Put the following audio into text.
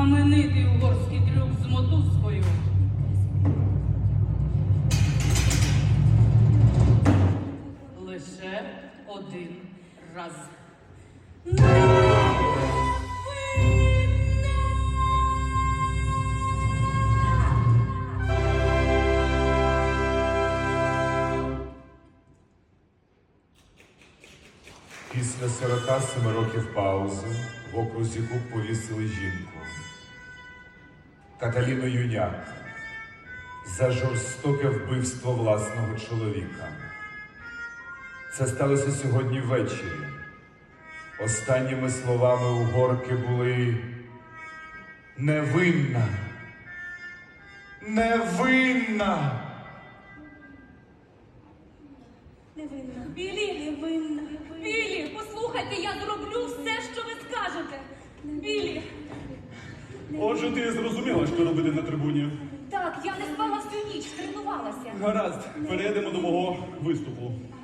знаменитий угорський трюк з мотузкою. Лише один раз. Після 47 років паузи в окрузі Куб повісили жінку Каталіну Юняк за жорстоке вбивство власного чоловіка. Це сталося сьогодні ввечері. Останніми словами угорки були «Невинна! Невинна!» Невинна. Білі, Невинна. Білі, послухайте, я зроблю все, що ви скажете. Білі. Отже, ти зрозуміла, що робити на трибуні. Так, я не спала всю ніч, тренувалася. Гаразд, перейдемо до мого виступу.